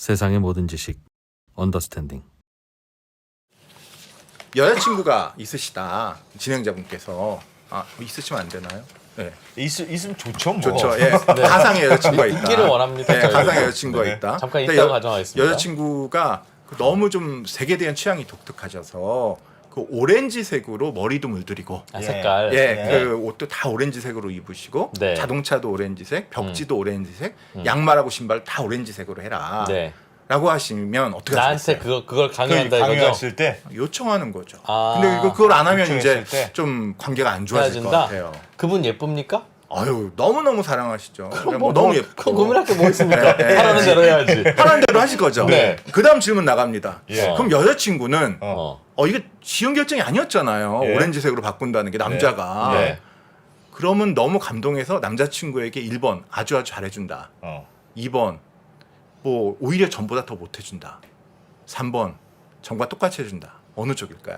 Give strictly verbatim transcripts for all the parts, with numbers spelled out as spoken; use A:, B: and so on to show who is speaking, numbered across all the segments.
A: 세상의 모든 지식 언더스탠딩.
B: 여자친구가 있으시다, 진행자분께서. 아, 있으시면 안 되나요? 네.
C: 있, 있으면 좋죠. 뭐.
B: 좋죠. 예. 가상의 여자친구가 있다.
D: 있기를 원합니다.
B: 예,
D: 저희는.
B: 가상의 여자친구가
C: 네.
B: 있다.
D: 잠깐
B: 근데
D: 있다고
B: 여-
D: 가정하겠습니다.
B: 여자친구가 너무 좀 색에 대한 취향이 독특하셔서 그 오렌지색으로 머리도 물들이고,
D: 아,
C: 예.
D: 색깔.
B: 예,
D: 네.
B: 그 옷도 다 오렌지색으로 입으시고,
D: 네.
B: 자동차도 오렌지색, 벽지도 오렌지색, 양말하고 신발 다 오렌지색으로 해라.
D: 네.
B: 라고 하시면 어떻게
D: 나한테
B: 하시겠어요?
D: 그거 그걸
C: 그
D: 강요한다 이거죠.
C: 강요했을 때
B: 요청하는 거죠.
D: 아.
B: 근데 이거 그걸 안 하면 이제
C: 요청했을 때?
B: 좀 관계가 안 좋아질 것
D: 헤어진다?
B: 같아요.
D: 그분 예쁩니까?
B: 아유, 너무너무 사랑하시죠. 뭐,
D: 뭐,
B: 너무
D: 뭐,
B: 예쁘고.
D: 그건 고민할 게 뭐 있습니까?
B: 네, 네.
D: 하라는 대로 해야지.
B: 하라는 대로 하실 거죠.
D: 네.
B: 그 다음 질문 나갑니다.
C: 예.
B: 그럼 여자친구는 어.
D: 어.
B: 어 이게 쉬운 결정이 아니었잖아요.
C: 예.
B: 오렌지색으로 바꾼다는 게 남자가.
D: 네.
B: 그러면 너무 감동해서 남자친구에게 일 번 아주 아주 잘해준다.
C: 어.
B: 이 번 뭐 오히려 전보다 더 못해준다. 삼 번 전과 똑같이 해준다. 어느 쪽일까요?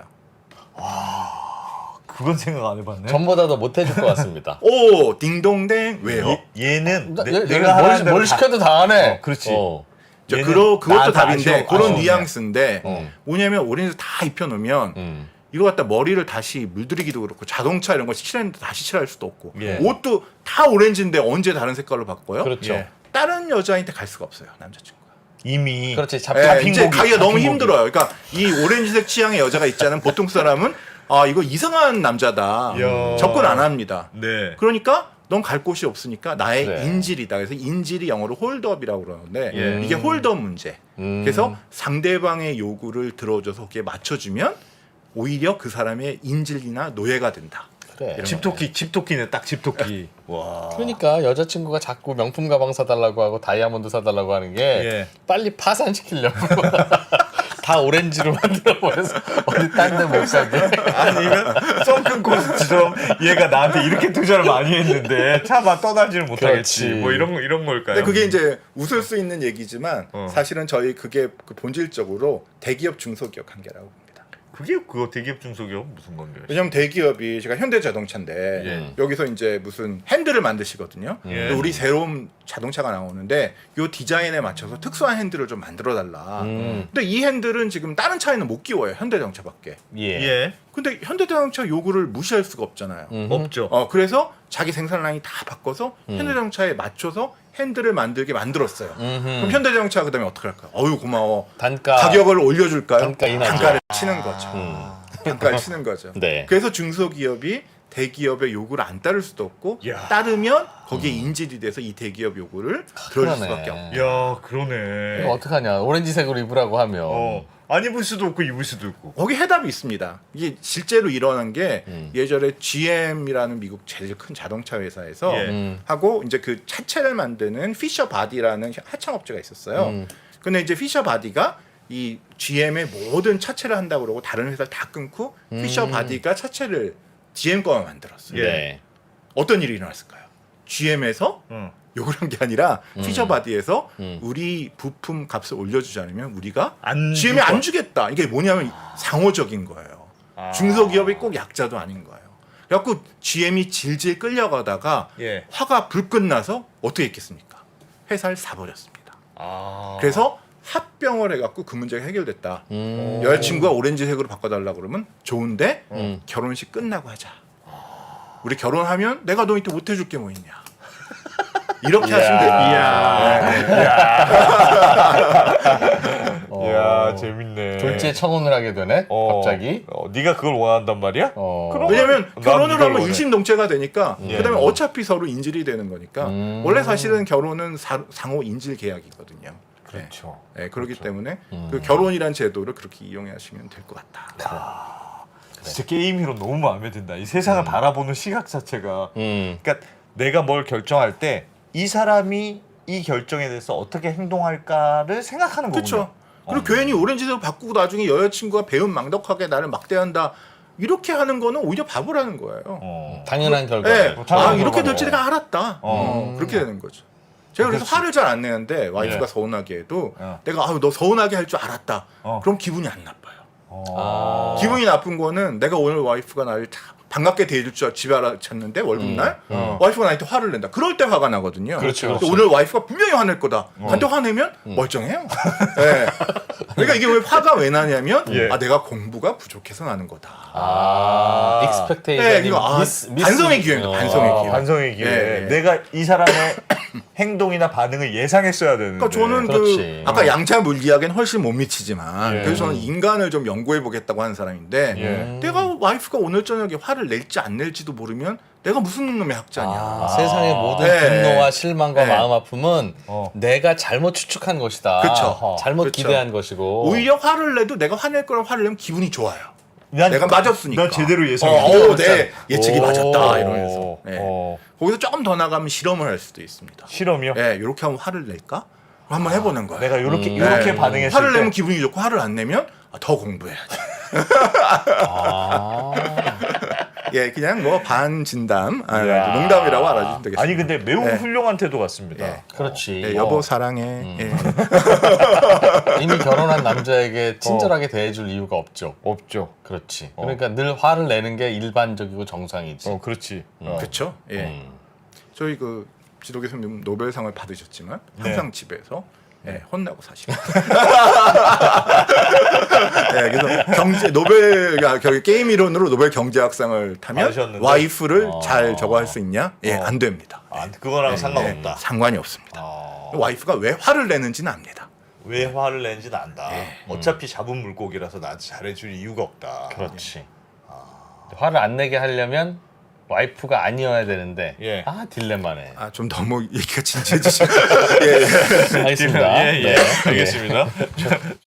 C: 그건 생각 안 해봤네.
D: 전보다 더 못해줄 것 같습니다.
B: 오, 딩동댕. 왜요?
C: 얘, 얘는
D: 나-
C: 내,
D: 얘-
C: 내가
D: 얘는 뭘,
C: 하라는 대로
D: 뭘
C: 다-
D: 시켜도 다 하네.
C: 어, 그렇지.
D: 어.
B: 저
C: 얘는
B: 그러, 그것도
C: 나한테
B: 답인데
C: 아쉬워-
B: 그런
C: 아쉬워.
B: 뉘앙스인데
D: 어.
B: 뭐냐면 오렌지 다 입혀놓으면
D: 음.
B: 이거 갖다 머리를 다시 물들이기도 그렇고 자동차 이런 거 칠했는데 다시 칠할 수도 없고
C: 예.
B: 옷도 다 오렌지인데 언제 다른 색깔로 바꿔요?
D: 그렇죠.
C: 예.
B: 다른 여자한테 갈 수가 없어요, 남자친구가.
C: 이미
D: 그렇지. 잡,
B: 예,
D: 잡힌
B: 이제
C: 고기,
B: 가기가 너무
C: 잡힌 고기.
B: 힘들어요. 그러니까 이 오렌지색 취향의 여자가 있잖아요. 보통 사람은 아 이거 이상한 남자다.
C: 이야.
B: 접근 안 합니다.
C: 네.
B: 그러니까 넌 갈 곳이 없으니까 나의
D: 그래.
B: 인질이다. 그래서 인질이 영어로 홀드업이라고 그러는데
C: 예.
B: 이게 홀드업 문제.
D: 음.
B: 그래서 상대방의 요구를 들어줘서 거기에 맞춰주면 오히려 그 사람의 인질이나 노예가 된다.
D: 그래.
B: 이런
C: 집토끼, 집토끼네 딱 집토끼. 와.
D: 그러니까 여자친구가 자꾸 명품 가방 사달라고 하고 다이아몬드 사달라고 하는 게
C: 예.
D: 빨리 파산시키려고 다 오렌지로 만들어 버려서 어디 딴 데 못 사게.
C: 아니면 썬큰 코스처럼 얘가 나한테 이렇게 투자를 많이 했는데 차마 떠나지를 못하겠지.
D: 그렇지.
C: 뭐 이런 이런 걸까요?
B: 근데 그게 이제 웃을 수 있는 얘기지만
C: 어.
B: 사실은 저희 그게 그 본질적으로 대기업 중소기업 관계라고 봅니다.
C: 그게 그거 대기업 중소기업 무슨 관계예요?
B: 왜냐면 대기업이 제가 현대자동차인데
C: 예.
B: 여기서 이제 무슨 핸들을 만드시거든요.
C: 예.
B: 근데 우리 새로운 자동차가 나오는데 요 디자인에 맞춰서 특수한 핸들을 좀 만들어 달라.
D: 음.
B: 근데 이 핸들은 지금 다른 차에는 못 끼워요. 현대자동차밖에.
D: 예.
C: 예.
B: 근데 현대자동차 요구를 무시할 수가 없잖아요.
D: 음.
C: 없죠.
B: 어 그래서 자기 생산 라인 다 바꿔서
D: 음.
B: 현대자동차에 맞춰서 핸들을 만들게 만들었어요.
D: 음흠.
B: 그럼 현대자동차가 그다음에 어떻게 할까요? 어유 고마워.
D: 단가
B: 가격을 올려줄까요?
D: 단가 인하죠.
B: 단가를 치는 거죠.
D: 음.
B: 단가를 치는 거죠.
D: 네.
B: 그래서 중소기업이 대기업의 요구를 안 따를 수도 없고
C: 야.
B: 따르면 거기에 인질이 돼서 이 대기업 요구를 들어줄
D: 그러네.
B: 수밖에 없고.
C: 야, 그러네.
D: 이거 어떡하냐. 오렌지색으로 입으라고 하면
C: 어. 안 입을 수도 없고 입을 수도 있고.
B: 거기 해답이 있습니다. 이게 실제로 일어난 게
D: 음.
B: 예전에 지엠이라는 미국 제일 큰 자동차 회사에서
C: 예.
D: 음.
B: 하고 이제 그 차체를 만드는 피셔 바디라는 하청업체가 있었어요.
D: 음.
B: 근데 이제 피셔 바디가 이 지엠의 모든 차체를 한다고 그러고 다른 회사를 다 끊고
D: 음.
B: 피셔 바디가 차체를 지엠 거만 만들었어요.
C: 예.
D: 네.
B: 어떤 일이 일어났을까요? 지엠에서
C: 응.
B: 욕을 한 게 아니라
D: 음.
B: 피셔 바디에서
D: 음.
B: 우리 부품 값을 올려주지 않으면 우리가
C: 안
B: 지엠이
C: 줄
B: 안
C: 거야.
B: 주겠다. 이게 뭐냐면 상호적인 거예요.
C: 아.
B: 중소기업이 꼭 약자도 아닌 거예요. 그래갖고 지엠이 질질 끌려가다가
C: 예.
B: 화가 불끈 나서 어떻게 했겠습니까? 회사를 사버렸습니다.
C: 아.
B: 그래서 합병을 해갖고 그 문제가 해결됐다.
D: 음.
B: 여자친구가 오렌지색으로 바꿔달라고 그러면 좋은데
D: 음.
B: 결혼식 끝나고 하자. 우리 결혼하면 내가 너한테 못 해줄 게 뭐 있냐. 이렇게 하시면 됩니다.
D: 어.
C: 이야, 재밌네.
D: 졸지에 청혼을 하게 되네.
C: 어.
D: 갑자기.
C: 어, 네가 그걸 원한단 말이야?
D: 어.
C: 그럼-
B: 왜냐면
C: 난
B: 결혼을
C: 이걸
B: 하면
C: 원해.
B: 일심동체가 되니까
C: 예.
B: 그다음에 어차피 서로 인질이 되는 거니까
D: 음.
B: 원래 사실은 결혼은 사- 상호 인질 계약이거든요.
C: 그렇죠.
B: 네. 네, 그렇기 때문에
D: 음.
B: 그 결혼이란 제도를 그렇게 이용하시면 될 것 같다.
C: 진짜 게임 히로 너무 마음에 든다. 이 세상을 바라보는 시각 자체가.
D: 음.
C: 그러니까 내가 뭘 결정할 때 이 사람이 이 결정에 대해서 어떻게 행동할까를 생각하는 거군요.
B: 그렇죠. 그리고
C: 어.
B: 괜히 오렌지색 바꾸고 나중에 여자친구가 배은망덕하게 나를 막대한다. 이렇게 하는 거는 오히려 바보라는 거예요.
C: 어.
D: 당연한 결과.
B: 네.
C: 뭐
B: 아
C: 당연한
B: 이렇게
C: 거고.
B: 될지 내가 알았다. 어,
D: 음.
B: 그렇게 되는 거죠. 제가 그래서
C: 그렇지.
B: 화를 잘 안 내는데 와이프가
C: 예.
B: 서운하게 해도
C: 어.
B: 내가 아유 너 서운하게 할 줄 알았다.
C: 어.
B: 그럼 기분이 안 나빠요.
C: 어.
D: 아.
B: 기분이 나쁜 거는 내가 오늘 와이프가 나를 다 반갑게 대해줄 줄 집에 알아챘는데 월급날
C: 어.
B: 와이프가 나한테 화를 낸다. 그럴 때 화가 나거든요.
D: 그렇죠,
B: 근데
D: 그렇죠.
B: 오늘 와이프가 분명히 화낼 거다.
C: 어.
B: 나한테 화내면 멀쩡해요. 네. 그러니까 이게 왜 화가 왜 나냐면
C: 예.
B: 아 내가 공부가 부족해서 나는 거다.
D: 아,
B: 네,
D: 익스펙테이션이
B: 이거 아,
D: 미스, 미스
B: 반성의 기회입니다. 반성의
C: 아,
B: 기회.
C: 반성의 기회.
B: 예, 예.
C: 내가 이 사람의 행동이나 반응을 예상했어야 되는데.
B: 그러니까 저는
D: 그렇지.
B: 그 아까 양자 물리학엔 훨씬 못 미치지만
C: 예.
B: 그래서 저는 인간을 좀 연구해 보겠다고 하는 사람인데
C: 예.
B: 내가 와이프가 오늘 저녁에 화를 낼지 안 낼지도 모르면 내가 무슨 놈의 학자냐.
D: 아, 세상의 모든
B: 네.
D: 분노와 실망과
B: 네.
D: 마음 아픔은
C: 어.
D: 내가 잘못 추측한 것이다.
B: 그쵸.
D: 잘못
B: 그쵸.
D: 기대한 것이고.
B: 오히려 화를 내도 내가 화낼 거랑 화를 내면 기분이 좋아요.
C: 난,
B: 내가 맞았으니까.
C: 난 제대로
B: 어,
C: 예상했어.
B: 어, 내 예측이
D: 오.
B: 맞았다 이러면서. 네.
C: 어.
B: 거기서 조금 더 나가면 실험을 할 수도 있습니다.
C: 실험이요?
B: 네, 이렇게 하면 화를 낼까? 한번 해보는 거예요.
C: 내가 이렇게
D: 음.
C: 이렇게
B: 네.
C: 반응했을
B: 화를
C: 때
B: 내면 기분이 좋고 화를 안 내면 아, 더 공부해야지.
D: 아.
B: 예, 그냥 뭐 반진담, 아,
C: 이야.
B: 농담이라고 알아주시면 되겠습니다.
C: 아니 근데 매우
B: 네.
C: 훌륭한 태도 같습니다.
B: 예.
D: 그렇지.
B: 예, 여보
C: 어.
B: 사랑해.
D: 음.
B: 예.
D: 이미 결혼한 남자에게 친절하게 대해줄 이유가 없죠.
C: 없죠.
D: 그렇지.
C: 어.
D: 그러니까 늘 화를 내는 게 일반적이고 정상이지.
C: 어, 그렇지. 어.
B: 그렇죠. 예.
D: 음.
B: 저희 그 지도 교수님 노벨상을 받으셨지만
C: 네.
B: 항상 집에서 예, 혼나고 사시고. 예, 그래서 경제 노벨 아, 결국 게임 이론으로 노벨 경제학상을 타면
C: 받으셨는데?
B: 와이프를
D: 어.
B: 잘 저거 할 수 있냐? 예,
C: 어.
B: 안 됩니다.
C: 아, 그거랑
B: 예,
C: 상관없다.
B: 예, 상관이 없습니다.
C: 아.
B: 와이프가 왜 화를 내는지는 압니다.
C: 왜 화를 내는지는 안다.
B: 예.
C: 어차피 잡은 물고기라서 나한테 잘해줄 이유가 없다.
D: 그렇지. 화를 안 내게 하려면 와이프가 아니어야 되는데
C: 예.
D: 아 딜레마네.
B: 아, 좀 너무 얘기가 진지해지시면 예, 예.
D: 알겠습니다.
C: 예, 예.
D: 네.
C: 알겠습니다.